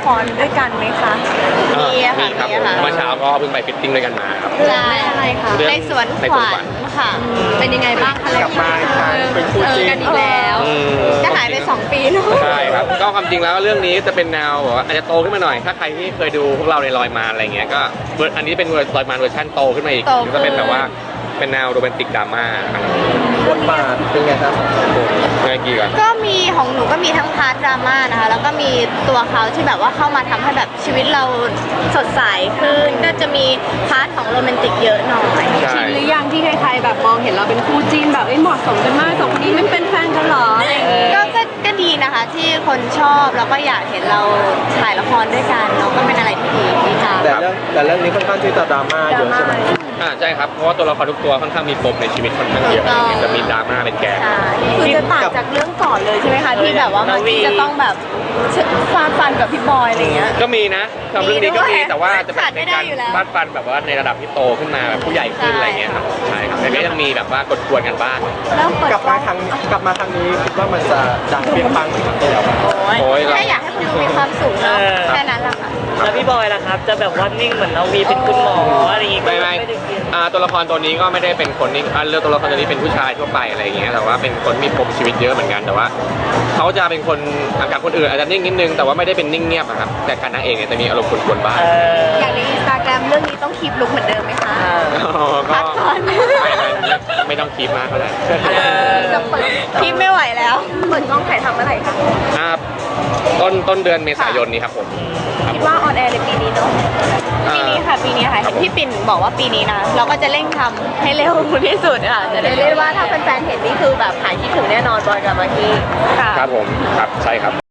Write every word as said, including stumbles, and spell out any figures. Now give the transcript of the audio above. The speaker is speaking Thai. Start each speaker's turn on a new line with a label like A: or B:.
A: รด้วยกันไหมคะ
B: มีค่ะมีค่ะเมื่อเช้าก็เพิ่งไปฟิตติ้งด้วยกันมาครับ
A: ใช่อะไรคะในสวนขวัญค่ะเป็นยังไงบ้างคะกลับมาเป็นคู่จริงกันอีกแล้วจะหายไปสองปีเนาะ
B: ใช่ครับก็ความจริงแล้วเรื่องนี้จะเป็นแนวแบบว่าอาจจะโตขึ้นมาหน่อยถ้าใครที่เคยดูพวกเราในลอยมาอะไรเงี้ยก็อันนี้เป็นลอยมาเวอร์ชันโตขึ้นมาอีกจะเป็นแบบว่าเป็นแนวโรแมนติกดราม่า
C: บทบาทเป็นไงครับ
B: เมื่อกี้ก่อน
A: ก็มีของหนูก็มีทั้งพาร์ทดราม่านะคะแล้วก็มีตัวเขาที่แบบว่าเข้ามาทำให้แบบชีวิตเราสดใสขึ้นก็จะมีพาร์ทของโรแมนติกเยอะหน่อย
D: ชินหรือยังที่ใครๆแบบมองเห็นเราเป็นคู่จิ้นแบบเหมาะสมกันมากสองคนนี้ไม่เป็นแฟนกันหรออะไรอย่างเงี้ย
A: ก็ก็ดีนะคะที่คนชอบแล้วก็อยากเห็นเราถ่ายละครด้วยกันเราก็เป็นอะไรที่ดีดีค่ะ
C: แต่เรื่องแต่เรื่องนี้ค่อนข้างที่จะดราม่าเยอะใช่ไหม
B: อ่าใช่ครับเพราะว่าตัวละครทุกตัวค่อนข้างมีปมในชีวิตค่อนข้างเยอะจะมีดราม่าเป็นแกน
A: คือจะต่างจากเรื่องก่อนเลยใช่ไหมคะที่แบบว่ามันจะต้องแบบฟาดฟันกับพี่บอยอะไรเงี้ย
B: ก็มีนะทำเรื่องนี้ก็มีแต่ว่าจะเป็นการฟาดฟันแบบว่าในระดับที่โตขึ้นมาแบบผู้ใหญ่ขึ้นอะไรเงี้ยครับใช่ครับแต่ก็ยังมีแบบว่ากดกวนกันบ้าง
C: กลับมาครั้งกลับมาครั้งนี้คิดว่ามันจะดังเปรี้ยงปังเหมือนที่แล้ว
A: โอ้ยแค่อยากให้คนดูมีความสุขเนาะแค่นั้นแหละค่ะ
E: แล้วพี่บอยล่ะครับจะแบบว่านิ่งเหมือนเราวีเป็นคุณหมออะไรอย่างงี้
B: ไม่ไม่ตัวละครตัวนี้ก็ไม่ได้เป็นคนนิ่งเรื่องตัวละครตัวนี้เป็นผู้ชายทั่วไปอะไรอย่างเงี้ยแต่ว่าเป็นคนมีปมชีวิตเยอะเหมือนกันแต่ว่าเขาจะเป็นคนกับคนอื่นอาจจะนิ่งนิดนึงแต่ว่าไม่ได้เป็นนิ่งเงียบครับแต่การนางเอกเนี่ยจะมีอารมณ์กวนๆบ้าง
A: อย่างในอินสตาแกรมเรื่องนี้ต้องคีปลุคเหมือนเดิมไหมคะ
B: ก็ไม่ไม่ต้องคีปมากเท่าไหร่
A: คีปไม่ไหวแล้วเปิดกล้องถ่ายทำเมื่อไหร่คะ
B: ต้นต้นเดือนเมษายนนี้ครับผม
A: คิดว่าออนแอร์ในปีนี้เนาะปีนี้ค่ะปีนี้ค่ะพี่ปิ่นบอกว่าปีนี้นะเราก็จะเร่งทำให้เร็วที่สุดค่ะจะได้เรียกว่าถ้าแฟนๆเห็นนี่คือแบบหายคิดถึงแน่นอนบอยกับมากกี้
B: ครับผมครับใช่ครับ